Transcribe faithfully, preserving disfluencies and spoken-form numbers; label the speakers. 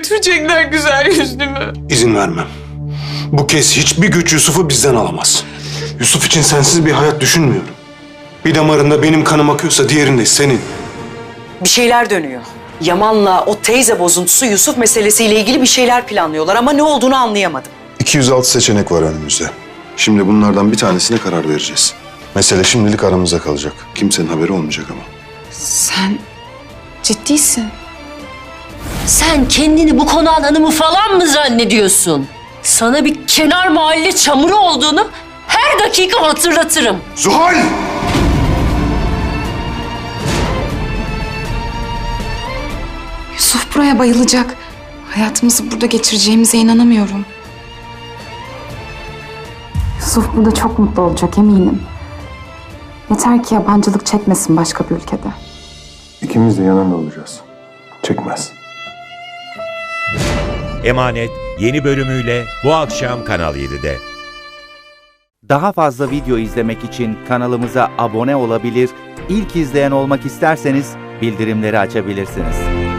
Speaker 1: götürecekler güzel yüzlümü.
Speaker 2: İzin vermem. Bu kez hiçbir güç Yusuf'u bizden alamaz. Yusuf için sensiz bir hayat düşünmüyorum. Bir damarında benim kanım akıyorsa diğerinde senin.
Speaker 3: Bir şeyler dönüyor. Yaman'la o teyze bozuntusu Yusuf meselesiyle ilgili bir şeyler planlıyorlar ama ne olduğunu anlayamadım.
Speaker 2: iki yüz altı seçenek var önümüzde. Şimdi bunlardan bir tanesine karar vereceğiz. Mesele şimdilik aramızda kalacak. Kimsenin haberi olmayacak ama.
Speaker 1: Sen ciddisin.
Speaker 4: Sen kendini bu konağın hanımı falan mı zannediyorsun? Sana bir kenar mahalle çamuru olduğunu her dakika hatırlatırım.
Speaker 2: Zuhal!
Speaker 1: Yusuf buraya bayılacak. Hayatımızı burada geçireceğimize inanamıyorum.
Speaker 5: Yusuf burada çok mutlu olacak eminim. Yeter ki yabancılık çekmesin başka bir ülkede.
Speaker 2: İkimiz de yanında olacağız. Çekmez.
Speaker 6: Emanet yeni bölümüyle bu akşam Kanal yedide.
Speaker 7: Daha fazla video izlemek için kanalımıza abone olabilir, ilk izleyen olmak isterseniz bildirimleri açabilirsiniz.